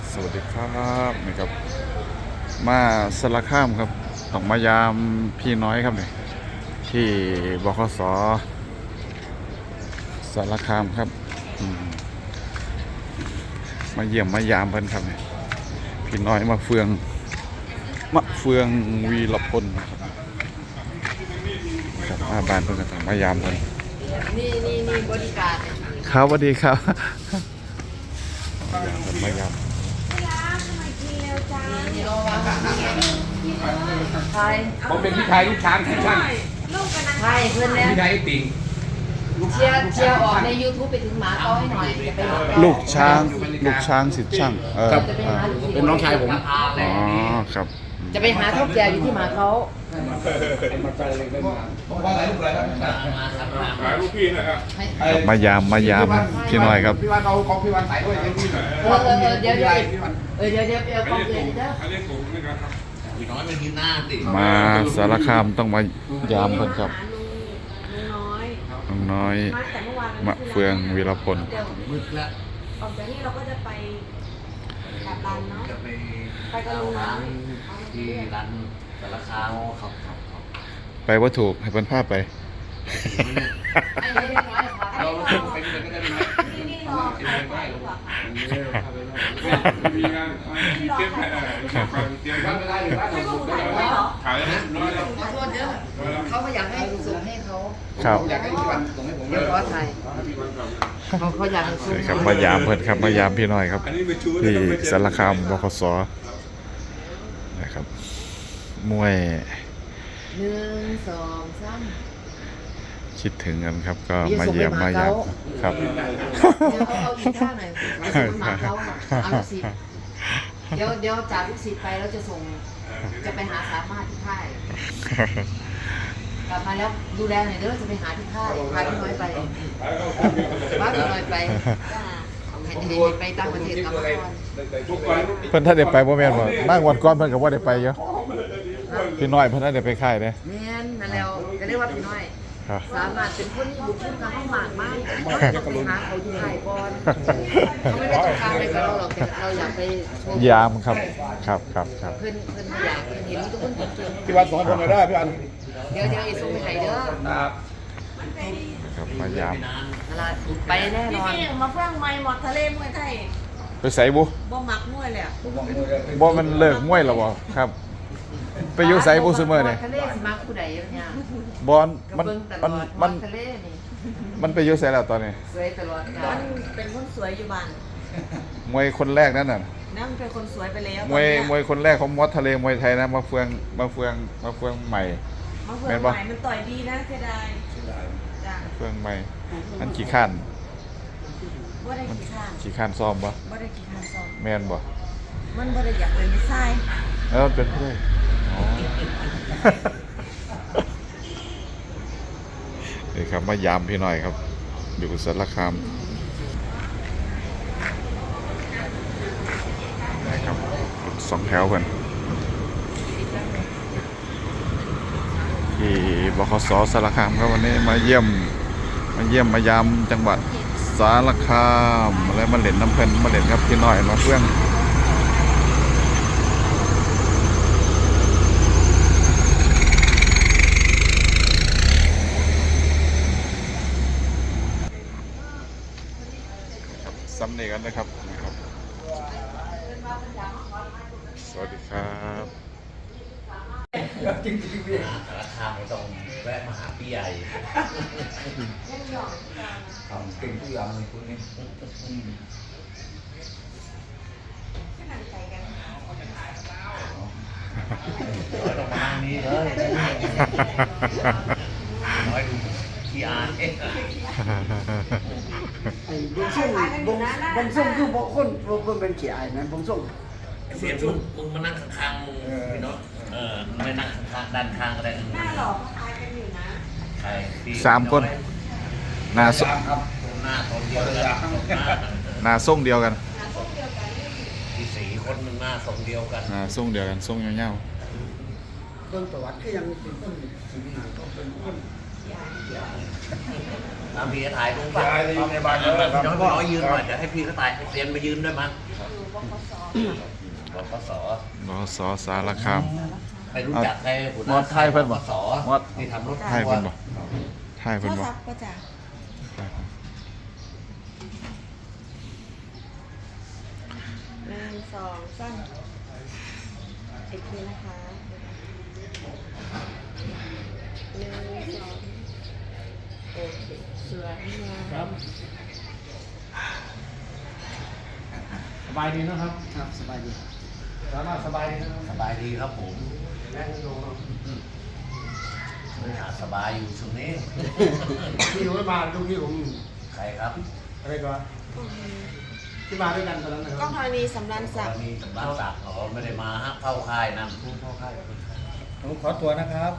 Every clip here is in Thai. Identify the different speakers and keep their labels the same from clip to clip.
Speaker 1: สวัสดีครับนี่ครับมาสารคามครับต้องมายามพี่น้อยครับนี่ที่บขสสารคามครับมาเยี่ยมมายามเพิ่นครับนี่พี่น้อยมาเฟืองวีรพลครับมาบ้านเพิ่นก็ต้องมายามเพิ่น
Speaker 2: นี่บริการ
Speaker 1: ครับสวัสดีครับมายาม
Speaker 2: ไทย
Speaker 3: ผมเป็นพี่ชายลูกช้างที่ช่าง
Speaker 2: ไทยเพื่อนแล้ว
Speaker 3: พี่ชายติ่ง
Speaker 2: เชียร์ออกใน YouTube ไปถึงหมาเขาให้หน่อยจะไป
Speaker 1: ลูกช้างสิทธิ์ช่าง
Speaker 3: เป็นน้องชายผม
Speaker 1: อ๋อครับ
Speaker 2: จะไปหาท่าแก่อยู่ที่หมาเขา
Speaker 1: มายามพี่น้อยครับ
Speaker 3: พี่วันเอาของพี่วันใส่ด้วยเดี๋ยว
Speaker 2: เดี๋ยวเอากองเลยเด้อ
Speaker 3: พี่น้อยมันกินหน้าติ
Speaker 1: มาสารคามต้องมายามเพิ่นครับน้อยมะเฟืองวีรพล
Speaker 3: มืดแล้ว
Speaker 4: ออกจากนี้เราก็จะไปกับรันเนาะไปกับลุงน้อย
Speaker 3: ที่ร้านสารคามครับ
Speaker 1: ไปว่าถูกให้เพิ่นพาไป
Speaker 3: เราไปกันก็ได้ไหม
Speaker 4: นี่รอไปดีกว่า
Speaker 3: มีงานมีเตรียมบ้านไม่ได้หรือบ้านเราขายนะน้อย
Speaker 2: ขอโทษเด้อเขาไม่อยากให้ส่งให้เขา
Speaker 1: ครับ
Speaker 3: อยากให้พี่วันส่งให้ผม
Speaker 2: เดี๋ยวขอไทยเขาอยากให้ส่ง
Speaker 1: ครับมายามเพิ่นครับมายามพี่น้อยครับที่สารคามบขสนะครับมวย
Speaker 2: 1 2 3
Speaker 1: คิดถึงกันครับก็มาเยี่ยมมายามครับ
Speaker 2: เดี๋ยวเอาอีกท่าหน่อยส่งหมาเขาเอาลูกศิษย์เดี๋ยวจากลูกศิษย์ไปแล้วจะไปหาสามารถที่ค่ายกลับมาแล้วดูแลหน่อยเด้อจะไปหาที่ค่ายพาพี่น้อยไปพาพี่น้อยไปไปต่างประเทศกับ
Speaker 1: เพิ่นถ้าได้ไปบ่แม่นบ่นั่งวันก่อนเพิ่นก็บ่ได้ไปเยอะพี่น้อยเพิ่นได้ไปค่ายเด้
Speaker 2: แม่นนั่นแล้วก็เรียกว่าพี่น้อยสามารถเป็นคนบุกขึ้นมาห้องหมากมากต้องไปหาเขาที่ค่ายก่อนเขาไม่ได้ต้องการอะไรกับเราหรอกแต่เราอยากไปชม
Speaker 1: ยามครับ
Speaker 2: เพิ่นอยากเห็นทุกคนเก่ง
Speaker 3: พี่วันสอนผมหน่อยได้พี่วัน
Speaker 2: เดี๋ยวไอ้ส่งไปไหนเด้อ
Speaker 1: ครับมายาม
Speaker 2: ไปแน่นอน
Speaker 4: มาฟังไม้หมดทะเลมวยไทย
Speaker 1: ไปใส่บุ
Speaker 4: บ่มักมวยเลย
Speaker 1: บ่มันเลิกมวยแล้วบ่ครับไปอยู่ใส่บุซุมื้อนี่
Speaker 2: ทะเลสิมักผู้ใดเนี่ย
Speaker 1: บอลมัน
Speaker 2: ทะเลนี่
Speaker 1: มันไปอยู่ใส่แล้วตอนนี้
Speaker 2: สวยตลอดกาล
Speaker 4: เป็นคนสวยอยู่บ้าน
Speaker 1: มวยคนแรกนั่นน่ะ
Speaker 4: นั่งเป็นคนสวยไปแล้ว
Speaker 1: มวยคนแรกของมอสทะเลมวยไทยนะมาเฟืองใหม่
Speaker 4: แม่นบ่มันต่อยดีนะเสียดาย
Speaker 1: จ้ะเฟืองใหม่อันขี้ข้าน
Speaker 4: บ่ได้
Speaker 1: ขี้ข้านซ้อมบ่
Speaker 4: ได้ขี้ข้านซ้อม
Speaker 1: แม่นบ่
Speaker 4: มันบ่ได้อยากเป็นผู้ชาย
Speaker 1: เป็นผู้ชายนี่ครับมายามพี่หน่อยครับอยู่สารคามนะครับ2 แถวกันที่บขสสารคามครับวันนี้มาเยี่ยมมายามจังหวัดสารคามแล้วมาเล่นน้ำเพลินมาเล่นครับพี่หน่อยมาเพื่อนซ้ำเนียกันนะครับสวัสดีครับ
Speaker 3: จริงราคาไม่ต้องแวะมาหาพี่ใหญ่ทำเก่งทุกอย่างเลยคุณนี่ต้องมาทางนี้เลยน้อยดูขี้อาย
Speaker 5: บงส่งคือบางคนเป็นขี้อายนะบงส่ง
Speaker 3: เสียทุกมึงมานั่งข้างๆมึงพี่น้องไม่นั่งข้างๆด้านข้างก็ได้
Speaker 4: หน้าหล่อคล้ายกันอยู่นะ
Speaker 3: ใคร
Speaker 1: 3 คนหน้าส่ง
Speaker 3: หน้าทรงเดียวกัน
Speaker 1: หน้าส่งเดียวกัน
Speaker 3: ที่4 คนหน้าทรงเดียวกัน
Speaker 1: ส่งเดียวกันส่งเงา
Speaker 5: เบิ่งประวัติคือยังเป็นต้นสิ่งนั้นก็เป็นคน
Speaker 3: พี่ถ่ายตรงฝั่งในบ้านเลยพี่น้อยยืนหน่อยจะให้พี่เขาถ่ายเซียนไปยืนด้วยมั้ย
Speaker 4: บกส
Speaker 6: บกส
Speaker 1: บสสารคาม
Speaker 6: ไปรู้จักใครหัวห
Speaker 1: ม
Speaker 6: น้า
Speaker 1: อดไทยเพิ่นบ่
Speaker 6: บกส
Speaker 1: มอด
Speaker 6: ที่ทำรถ
Speaker 1: ไทยเพิ่นบ่ไทย
Speaker 4: โท
Speaker 1: เพิ่น
Speaker 4: ร
Speaker 1: บ่
Speaker 4: ศัพท์ก็จ้ะ1 2 3อีกทีนะคะ1 2โอเคสวยงาม
Speaker 5: สบายดีนะครับครับสบายดีสามารถสบายดีนะครับ
Speaker 6: สบายดีครับผม
Speaker 5: นั่งลง
Speaker 6: หาสบายอยู่ช่วงนี้
Speaker 5: พี่รู้มาลูกพี่ผม
Speaker 6: ใครครับ
Speaker 5: อะไรก่อนที่มาด้วยกันตอนนั้นนะค
Speaker 4: กล้
Speaker 5: รั
Speaker 4: อบ งธรณีสำรันศักดิ์
Speaker 6: มีสำนักศักดิ์อ๋อไม่ได้มาฮะเข้าค่ายนั่น
Speaker 5: ผมขอตัวนะครับ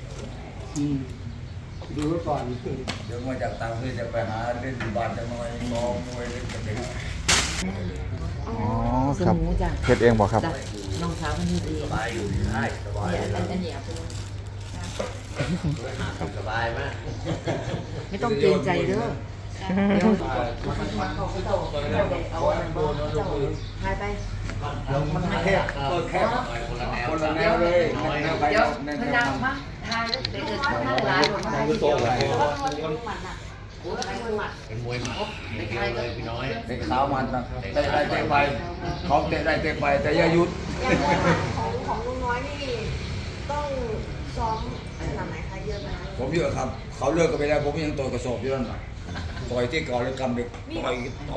Speaker 5: ดูไว้ก่อน
Speaker 7: เดี๋ยวมาจากต่างประเทศจะไปหาเล่นอยู่บ้านจะน้อยมองมวยเล่นกับเด็ก
Speaker 1: อ๋อครับเฮ็ดเองบ่ครับ
Speaker 2: จ้ะน้องสาวคนนี้ดี
Speaker 6: สบายอยู่ที่ค่ายสบาย
Speaker 2: เนี่ย
Speaker 6: อยู่
Speaker 2: อันนี้เอาไปเลย
Speaker 6: หาสบายไหม
Speaker 2: ไม่ต้องเกรงใจเด้อเดี๋ยวมันเข้าไปเอาอะไรบ้างเจ้าหายไป
Speaker 7: มันแคบเปิดแคบ
Speaker 6: คนละแนว
Speaker 7: คนละแนวเลย
Speaker 6: น้อย
Speaker 7: แนวไป
Speaker 2: เดี๋ยว
Speaker 7: แนว
Speaker 2: มัน
Speaker 7: แน
Speaker 2: ดั
Speaker 7: ว
Speaker 2: งมากทายแล้วเด็กๆมันหลายคนมาให้เดียวเลยโอ้ยใครคนหมัด
Speaker 6: เป็นมวยหมัดอย่างเดียวเลยพี่น้อย
Speaker 7: เด็กสาวมันนะเตะได้เตะไปเขาเตะได้เตะไปแต่อย่าหยุด
Speaker 4: อย่างมวยหมัดของลุงน้อยนี่ต้องซ้อมขนาดไหนคะเยอะไหมคะ
Speaker 7: ผมเยอะครับ เขาเลิกกันไปแล้วผมยังต่อยกระสอบอยู่นั่นน่ะต่อยที่ก่อนเลยกำเด็กต่อย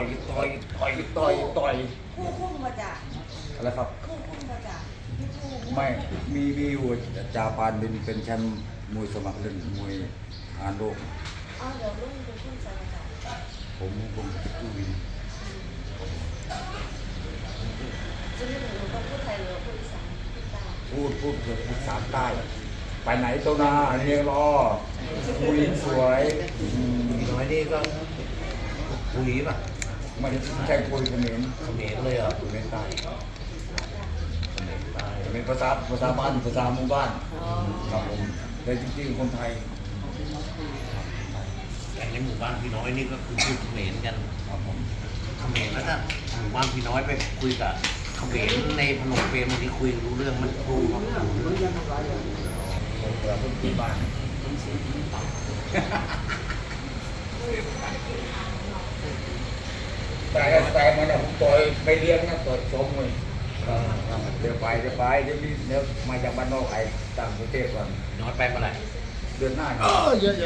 Speaker 4: คู่มาจาก
Speaker 7: อะไรครับ
Speaker 4: คู่มาจากคู่
Speaker 7: ไม่มีอยู่จาปานเป็นแชมป์มวยสมัครเล่นมวยอานโลก
Speaker 4: อ๋อเดี๋ยวรุ่นเป็นคู่สายจาก
Speaker 7: ผมตู้วิน
Speaker 4: จะไม่ถึงต้องพูดไทยหรือพูดอีสานพูดตาม
Speaker 7: พูดสามใต้ไปไหนตัวนาเรียงรอผู้หญิงสวยอืม
Speaker 6: พี่น้อยนี่ก็คุยป่ะ
Speaker 7: ไมันใช่คุยเขมร
Speaker 6: เขมรเลยเหรอ
Speaker 7: เขมรใต้
Speaker 6: เขมรใต้
Speaker 7: เขมรภาษาบ้านภาษาหมู่บ้านครับผมแต่จริงๆคนไทย
Speaker 6: แต่ในหมู่บ้านพี่น้อยนี่ก็คือพูดเขมรกัน
Speaker 7: ครับผม
Speaker 6: เขมรแล้วถ้าหมู่บ้านพี่น้อยไปคุยกับเขมรในพนมเปญบางทีคุยรู้เรื่องมันครู
Speaker 7: ผมเกิดเพิ่งที่บ้านแต่มันเนี่ยผมต่อยไปเลี้ยงนะต่อยชมเลยเดี๋ยวมาจากบ้านนอกไอ้ต่างประเทศก่อน
Speaker 6: น้อยไปเมื่อไหร่
Speaker 7: เดือนหน้าเยอะ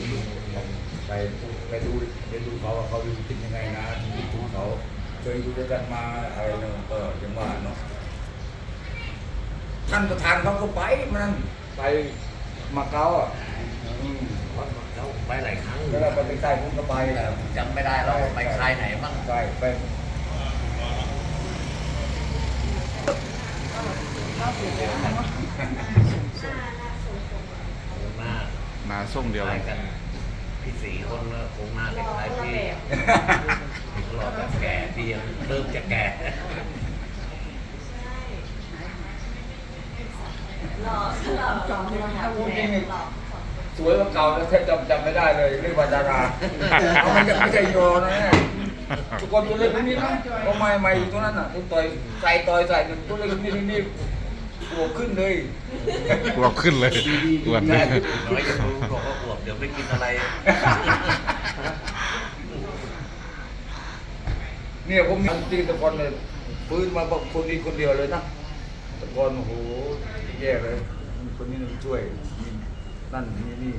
Speaker 7: ไปดูเขาว่าเขาอยู่กินยังไงนะชีวิตของเขาเคยอยู่ด้วยกันมาอะไรเนาะก็ยังว่าเนาะท่านประธานเขาก็ไปมันไปมาเก๊าอ่ะ
Speaker 6: แล้วไปหลายครั้ง
Speaker 7: แล้วเราไปใกล้ผมก็ไป
Speaker 6: แต่จำไม่ได้เราไปค่ายไหนบ้าง
Speaker 7: ไป
Speaker 6: หน้า
Speaker 1: หนาส่งเดียว
Speaker 6: ค
Speaker 1: กั
Speaker 6: ล้าน ยกันพี่สีคนก็คงหน้าคล้ายๆพี่รอแบบแก่ที่ยังเริ่มจะแก่
Speaker 4: หล่อจอมที่เราหาแม่หล่อ
Speaker 7: สวยกว่าเก่าแล้วแทบจำไม่ได้เลยเรียกว่าดาราเขาไม่ใช่โยนะเนี่ยทุกคนตัวเล็กนิดนะก็ไม่อยู่ตรงนั้นน่ะคุณต่อยใส่หนึ่งตัวเล็กนิดตัวขึ้นเลย
Speaker 1: กลัวขึ้นเลยอ้วน
Speaker 6: น้อยอย่ารู้บอกว่าอวบเดี๋ยวไม่กินอะไร
Speaker 7: เนี่ยผมมีตีตะกอนเลยฟื้นมาบอกคนนี้คนเดียวเลยนะตะกอนโอ้โหแย่เลยมีคนนี้ช่วยนั่นนี่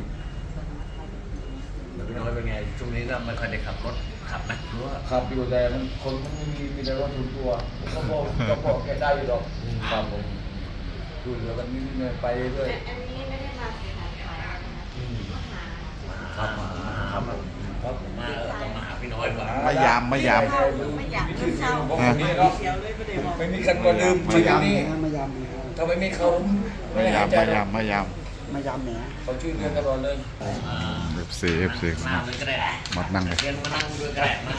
Speaker 6: พี่น้อยเป็นไงช่วงนี้ก็ไม่ค่อยได้ขับรถขับไหมหรือว่า
Speaker 7: ขับอยู่แต่มันคนมันไม่มีแต่รถส่วนตัวเขาบอกแกได้อยู่หรอกครับผมดูแล้วกันนี่ไปเรื่อย
Speaker 4: อันนี้ไม่ได้มาขายนะคะมาหา
Speaker 6: ครับครับครับผมมาต้องมาหาพี่น้อยก่อน
Speaker 1: มายาม
Speaker 4: ไม่อยาก
Speaker 7: มีชื่อเสียงของคนนี้เนาะไม่มีใครมาลืมชื่อนี้ถ้าไม่มีเขาไม่
Speaker 1: มา
Speaker 7: ได้
Speaker 1: ยา
Speaker 7: หาม ยใจ
Speaker 1: มา
Speaker 7: หร
Speaker 1: ยา
Speaker 7: อก
Speaker 1: มมายาม
Speaker 7: เขาชื่อเรียนตลอดเลย
Speaker 1: FC
Speaker 6: มาเลยก็ได้
Speaker 1: มัดนั่งเลย
Speaker 6: เรียนมานั่งด้วยก็ได้มา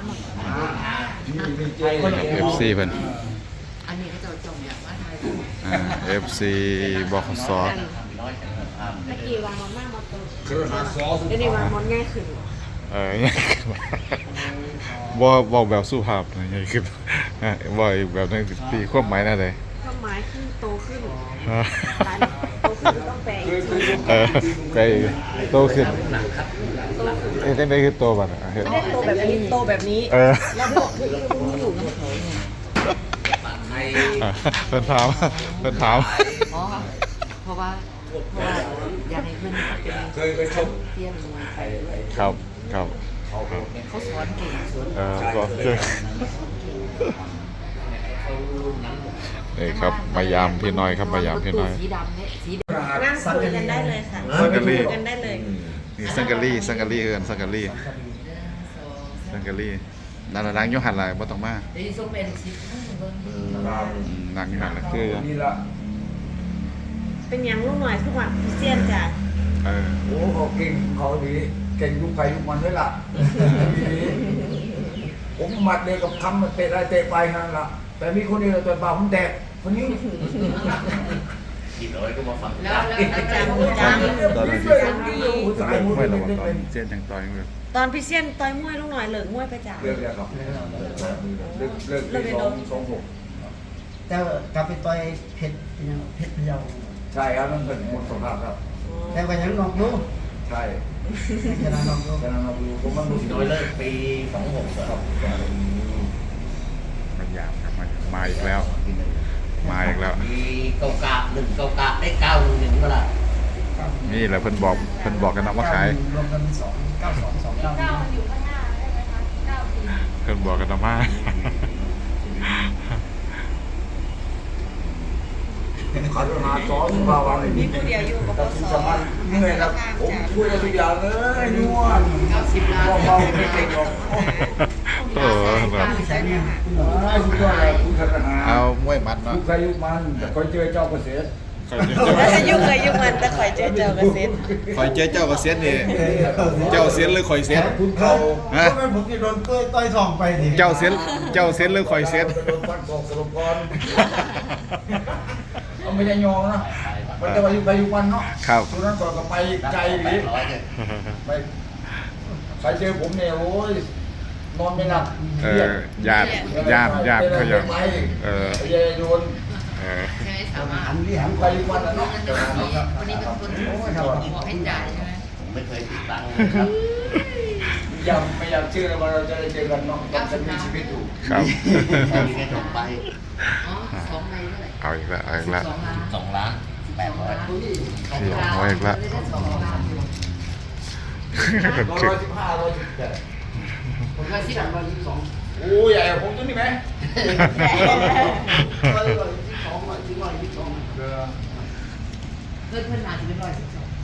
Speaker 7: มีเจ
Speaker 1: FC เพิ่น
Speaker 2: อันนี้ก็จะจมอย่างว่าไทย
Speaker 1: FC บขส
Speaker 6: พี่น้อยจะทำ
Speaker 4: เมื่อกี้วางมอนมากมาตัว
Speaker 7: คือหาซอส
Speaker 4: เดี๋ยวนี้วางมอนง่ายขึ้น
Speaker 1: บ่บอกแบบสุภาพนะใหญ่ขึ้นบ่อยแบบนึงตีความหมายนั่นเลย
Speaker 4: ความหมายคือโตขึ้นการโตขึ้นต้องแปลอีกที
Speaker 1: ไปโตขึ้นเอ้ยจังได๋คือโตบัดน่ะเฮ็ด
Speaker 4: ไม่ได้โตแบบนี้โตแบบนี้ แล้วบอกคืออยู่นะ
Speaker 6: ใน
Speaker 1: เพิ่นถาม
Speaker 2: อ๋อเพราะว่าอยากให้เพื่อนเป็น
Speaker 7: เคยชม
Speaker 2: เตี้ยมมวยไทย
Speaker 1: ครับครับ
Speaker 2: เขาสอนเก่งสอน
Speaker 1: ก็คือนี่ครับมายามพี่น้อยครับมายามพี่น้อย
Speaker 2: สีดำเนี่ยสีดำ
Speaker 4: นั่งคุยกันได้เลยค่ะ
Speaker 1: สังกะรี
Speaker 4: คุยกันได้เลย
Speaker 1: นี่สังกะรีเอิ้นสังกะรีนั่นน่ะนั่งอยู่หั่นล่ะบ่ต้องมา
Speaker 2: เดี๋ยวส่งเป็นสีเบิ้ง
Speaker 1: นั่งอยู่หั่นล่ะคือ
Speaker 7: นี่ละ
Speaker 4: เป็นอย่างลูกหน่อยทุกวันพิเศษจ้ะ
Speaker 7: โอ้เขาเก่งเขาดีเก่งยุคใครยุคมันด้วยล่ะผมหมัดเดียวกับทำมันเตะอะไรเตะไปนั่นล่ะแต่มีคนเดียวตัวเปล่าผมแตกคนนี้
Speaker 6: กี่ร้อยก็มาฟัง
Speaker 2: แล้วอาจารย์
Speaker 1: ตอนนั้น
Speaker 7: เรื่องดีสายมือ
Speaker 1: ไม่ระ
Speaker 7: เล่
Speaker 1: วัง
Speaker 7: น
Speaker 1: ตอ
Speaker 7: เป็น น
Speaker 1: เสียนจังต่อยมือ
Speaker 4: ตอนพิเศษต่อยมวยลูกหน่อยเหลิกมวยไปจ้ะ
Speaker 7: เรื่องเดียวครับเลิกที่26
Speaker 5: แต่กลับไปต่อยเพชรพะเยา
Speaker 7: ใช่ครับนั่นเป็นหมดสภาพครับ
Speaker 5: แต่ก็ยังนอกอยู่
Speaker 7: ใช่
Speaker 5: ชนะนอกอยู่
Speaker 7: ฉะนั้นเราดูผมมันดู
Speaker 6: น้อยเลิกปี26ครับ
Speaker 1: มายามครับมาอีกแล้ว มาอีกแล้ว
Speaker 6: มีเก่ากะ1เก่ากะได้911เมื่อไหร่
Speaker 1: นี่แหละเพิ่นบอกกันนะว่าขาย
Speaker 5: รวมกัน292
Speaker 1: เพิ่นบอกกันนะมา
Speaker 7: ขาดหาซ้อนสภาวะ
Speaker 4: มีผู้เดียวอยู่กับ
Speaker 7: ตัดสินสมัครเหนื่อยครับผมช่วยทุกอย่างเลยนวล
Speaker 2: 90 ล้าน
Speaker 7: เบาๆไม่เก่งหรอก
Speaker 1: ครับ
Speaker 5: ใช้เนี่ย
Speaker 7: สุดยอดเลยคุณธนา
Speaker 1: เอามวยมัดเนาะ
Speaker 7: ยุคใครยุคมันแต่คอยเจอเจ้าเกษตร
Speaker 4: ยุ่งเลยยุ่งมันแต่ข่อยเจอเจ้ากระซิบ
Speaker 1: คอยเจ้าก็เสียนนี่เจ้าเสียนหรือคอยเสียน
Speaker 7: คุณเขา
Speaker 1: ฮะ
Speaker 5: ทำไมผมจะโดนต่อยทองไปดิ
Speaker 1: เจ้าเสียนหรือคอยเสียน
Speaker 7: โดนฟันกอกสลบก่อนเอาไม่ได้ยองนะมันจะไปยุคใครยุคมันเนาะ
Speaker 1: ครับ
Speaker 7: ตัวนั้นก่อนก็ไปไกลหรือ
Speaker 6: ร้อยเนี่ย
Speaker 7: ไปใครเจอผมเนี่ยโอ้ยนอนไม่หลับ
Speaker 1: ญาติเขาอยาก
Speaker 7: ไป
Speaker 1: เ
Speaker 7: เยโยน
Speaker 2: ใช่ไหมสามารถ
Speaker 5: หันที่หัน
Speaker 7: ไปยุคมันนะเนาะ
Speaker 2: วันนี้เป็นคนบอกให้จ่ายใช่ไหม
Speaker 6: ผมไม่เคยติดตังค์เลยครับ
Speaker 7: ไม่อยากเชื่อเลยว่าเราจะได้เจอกันเนาะต้องจะมีชีวิตอยู่
Speaker 1: ครับ
Speaker 6: ตอนนี้แค่จบไป
Speaker 2: อ๋อ2ใบเท่าไหร่
Speaker 1: เอาอีกแล้ว
Speaker 2: 2 ล้าน
Speaker 6: 2,800,000
Speaker 1: เอาอีกแล้ว
Speaker 2: 2 ล้านอยู่
Speaker 7: 115 117
Speaker 2: ผมก็สิบ122
Speaker 7: โอ้ยใหญ่กว่าผมตัวนี้ไหม
Speaker 2: เพื่อนหนาจะเป็น112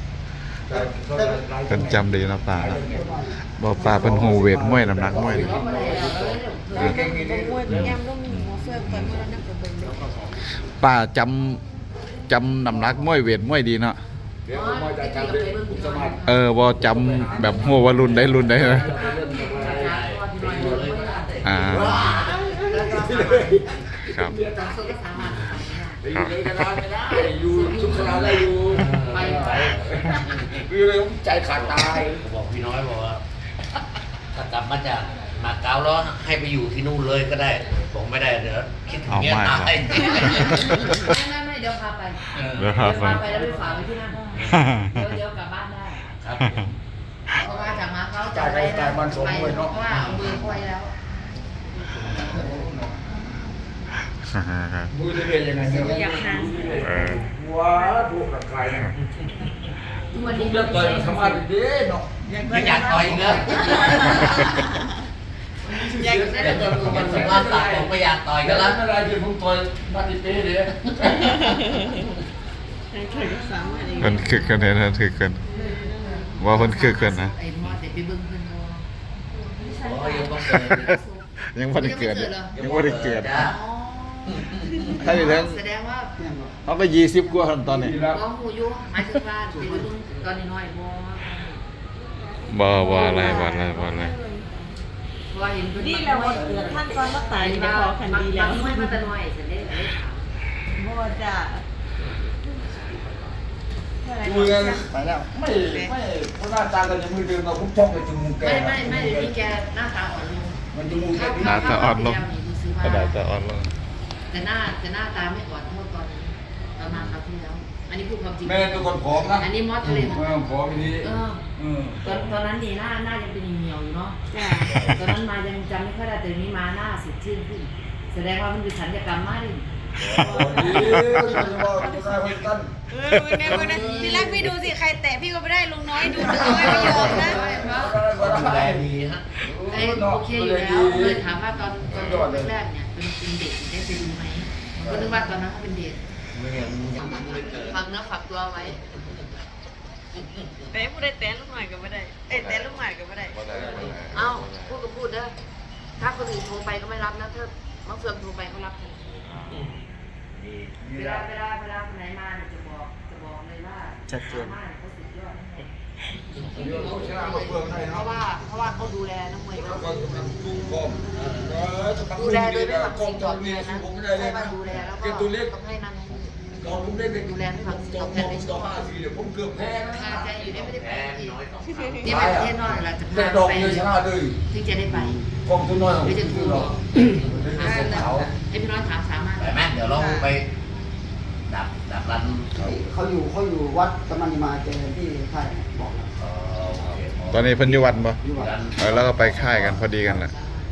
Speaker 1: เป็นจำดีนะป่านะบอกป่าเป็นหูเวทมวยน้ำหนักมวยนี่
Speaker 7: เก่งๆนี่
Speaker 4: มวยเป็นแอมต้องมีหัวเฟืองต่อยมวยแล้วนั่งกับเบิ้งเด้อ
Speaker 1: ป่าจำน้ำหนักมวยเวทมวยดีเนาะ
Speaker 7: เดี๋ยวผมมาจัดการด้วยผมสมัคร
Speaker 1: บ่จำแบบหัวว่ารุ่นได้นะครับ
Speaker 7: อยู่เลยกันได้ไม่ได้อยู่ชุกชนาได้อยู่ไปคือเลยใจขาดตาย
Speaker 6: ผมบอกพี่น้อยบอกว่า ถ้ากลับมาจากมาเก๊าแล้วให้ไปอยู่ที่นู่นเลยก็ได้ผมไม่ได้เดี๋ยวคิดถึงเมียตาย
Speaker 2: ไม่เดี๋ยวพาไป
Speaker 1: เดี๋ยวพาไป
Speaker 2: แล้วไปฝากไว้ที่นั่นเดี๋ยวกลับบ้านได้
Speaker 6: ครับ
Speaker 2: เพราะว่าจากมาเขาจะไปเพราะว่าเอามือควยแล้ว
Speaker 7: มือจะเรียนยังไงเนี่ย
Speaker 4: อยากหา
Speaker 7: ว้าถูกกับใครนะ
Speaker 2: ทุกวัน
Speaker 7: ทุ
Speaker 2: นี้
Speaker 7: กเรื่องต่อยมันสามารถดีเนาะ
Speaker 6: ไม่อยากต่อยอีกแล้ว
Speaker 4: อยาก
Speaker 6: เดี๋ยวจะสภาพตาผมไม่อยากต่อย
Speaker 7: แต่
Speaker 6: กัน
Speaker 7: ร้า
Speaker 6: แล้ว
Speaker 7: นอะไรที่ผมต่อยมาติเป้เลย
Speaker 4: เคยสามารถ
Speaker 1: เพิ่นคึกกันเนี่ยนะคึกกันว่าเพิ่นคึกกันนะ
Speaker 2: ไอ้มอแต่ไปเบิ้งเพิ่น
Speaker 6: โอ้ยยังต้องเกิด
Speaker 1: ยังไม่ได้เกิดยังไม่ได้เกิด
Speaker 6: จ้า
Speaker 1: ถ้าอยู่ทั้ง
Speaker 2: แสดงว่า
Speaker 1: เขาไป20กว่าตอนนี้
Speaker 2: น้องหูยุหมายถึงว่าไปเบิ้งตอนนี้น้อย
Speaker 1: บ่อะไร
Speaker 2: ว่าเห็น
Speaker 4: นี่แหละว่าเกิดท่านตอนมาตายนี่ได้พอคันดีแล้ว
Speaker 2: ไม่มาแต่น้อยฉันได้ถาม
Speaker 4: บ่จ้ะ
Speaker 7: มือไปแล้วไม่เพราะหน้าตากันจะมือเดิมเราพุ่งชอบไปจมูกแก
Speaker 2: ไม่เดี๋ยวนี้แกหน้าตาอ่อนลง
Speaker 7: มันจมูกแก
Speaker 1: หน้าตาอ่อนลง
Speaker 2: ซื้อ
Speaker 1: กระดาษจะอ่อนลง
Speaker 2: แต่หน้าตาไม่อ่อนเท่าตอนนี้ประมาณคราวที่แล้ว อันนี้พูดความจริง
Speaker 7: แม่ตัวคนผอมนะ
Speaker 2: อันนี้มอสเลย
Speaker 7: แม่ผอมนี้
Speaker 2: ตอนนั้นนี่หน้ายังเป็นเหนียวอยู่เนาะตอนนั้นมายังจำไม่ค่อยได้แต่นี้มาหน้าสดชื่นขึ้น แสดงว่ามันเป็นศัลยกรรมมากเลย
Speaker 4: มึงเนี่ยทีแรกพี่ดูสิใครแตะพี่ก็ไม่ได้ลุงน้อยดูลุงน้อยไม่ยอมนะ
Speaker 6: ดูแลดีฮะ
Speaker 2: โอเคอยู่แล้วเลยถามว่าตอนแรกๆเนี่ยเป็นเด็กได้ไปดูไหมก็นึกว่าตอนนั้นเขาเป็นเด็ก
Speaker 6: ไม่งั้นยังไม่เกิด
Speaker 2: ฝากเนื้อฝากตัวไว้
Speaker 4: แต่ผู้ใดแตะลูกหน่อยก็ไม่ได้เอ้ยแตะลูกหน่อยก็ไม่ได้
Speaker 2: เอ้าพูดก็พูดเด้อถ้าคนอื่นโทรไปก็ไม่รับนะถ้ามะเฟืองโทรไปเขารับทันทีเวลาคนไหนมาเนี่ยจะบอกเลยว่าสามารถเขาสุดยอดเพราะว่าเขาดูแลนักมวยเขาดูแลโดยไม่ฝังสิ่งตอบแทนนะใช่ว่าดูแลแล้วก็ต้องให้นั่นให้นี่ดูแลไม่ฝังสิ่งตอบแทนในชีวิตค่าใจอยู่ได้ไม่ได้ไป
Speaker 6: แพ้
Speaker 2: ที่
Speaker 6: น้อยสอง
Speaker 2: นี่ไปประเทศนอกเราจะ
Speaker 7: แต่
Speaker 2: พา
Speaker 7: ดอก
Speaker 2: ไป
Speaker 7: เดียวชนะเลย
Speaker 2: ถึงจะได้ไป
Speaker 7: กองทุนน้อยของ
Speaker 2: เดี๋ยวจะ
Speaker 7: คุ
Speaker 2: โทร
Speaker 7: ณ
Speaker 2: บ
Speaker 7: เรา
Speaker 2: อกให้พี่น้อยถามสามารถ
Speaker 6: แต่แม่เดี๋ยวเราไปดับรัน
Speaker 5: เขาอยู่วัดกำนันมาเจอที่ค่ายบอกแล้ว
Speaker 1: ตอนนี้เพิ่นอยู่วัดบ่
Speaker 5: อยู่วัด
Speaker 1: แล้วก็ไปค่ายกันพอดีกันแหละ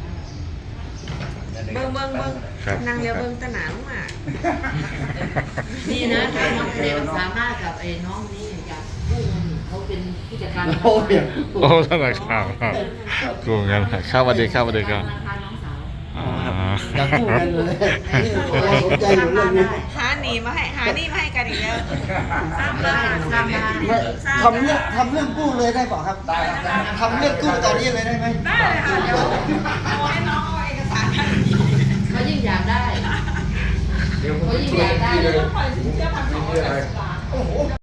Speaker 4: เบิ่ง
Speaker 1: ครับ
Speaker 4: นางเรียวเบิ่งตะหนาลงมา
Speaker 2: นี่นะถ้าน้องทะเลสามารถกับไอ้น้องนี่อยากกู้เงินเขาเป็นผู้จัดการ
Speaker 5: โอ้ย
Speaker 1: โอ้ท่านอาครับกูเงินครับสวัสดีครับสวัสดีครับ
Speaker 2: ธนาคารน้องสาว
Speaker 1: อ๋อ
Speaker 5: อยากกู้กันเลยเราสนใจอยู่เรื่องนี้
Speaker 4: หาหนีมาให้กันอีกแล้ว
Speaker 2: สร้างบ้านสร้างบ้าน
Speaker 5: ทำเรื่องกู้เลยได้เปล่าครับทำเรื่องกู้ตอนนี้เลยได้ไหม
Speaker 4: ได้เลยค่ะเดี๋ยวเอาให้น้องเอาเอกสาร
Speaker 2: เขายิ่งอยากได้
Speaker 7: เดี๋ยวผม
Speaker 2: เขายิ่ง
Speaker 7: ช่ว
Speaker 2: อย ยากได้
Speaker 7: พี่เลย
Speaker 4: ปล่อยสินเชื่อพันสองร้อยแปดสิบบาท